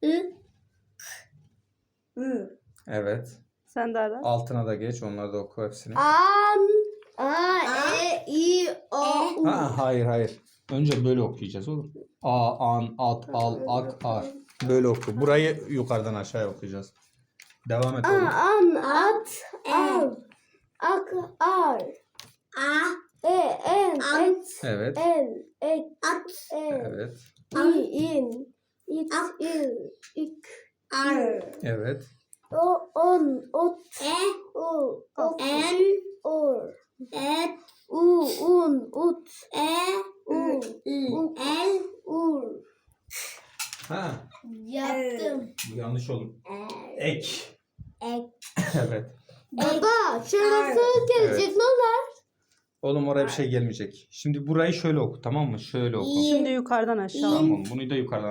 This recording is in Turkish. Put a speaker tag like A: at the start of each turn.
A: I.
B: Evet.
C: Sen de ara.
B: Altına da geç. Onları da oku hepsini.
A: An. A. E. I. O. U.
B: Ha, hayır. Önce böyle okuyacağız oğlum. A, an, at, al, ak, ar. Böyle oku. Burayı yukarıdan aşağıya okuyacağız. Devam et oğlum.
A: An. At. Al. Ak. Ar.
D: A.
A: En. Et.
B: Evet.
A: El. Ek.
D: At.
B: Evet.
A: İn. İt. İl. İk.
D: Ar.
B: Evet.
A: On. Ot.
D: E.
A: U.
D: En.
A: Or.
D: Et.
A: Un. Ut.
D: E.
A: U.
D: U. El.
A: Ur.
B: Ha,
A: Yaptım.
B: bu yanlış olur. Ek.
D: Ek.
B: Evet.
A: Baba şurası gelecek
B: Evet.
A: ne olur?
B: Oğlum oraya bir şey gelmeyecek. Şimdi burayı şöyle oku, tamam mı? Şöyle oku.
C: Şimdi yukarıdan aşağı.
B: Tamam, bunu da yukarıdan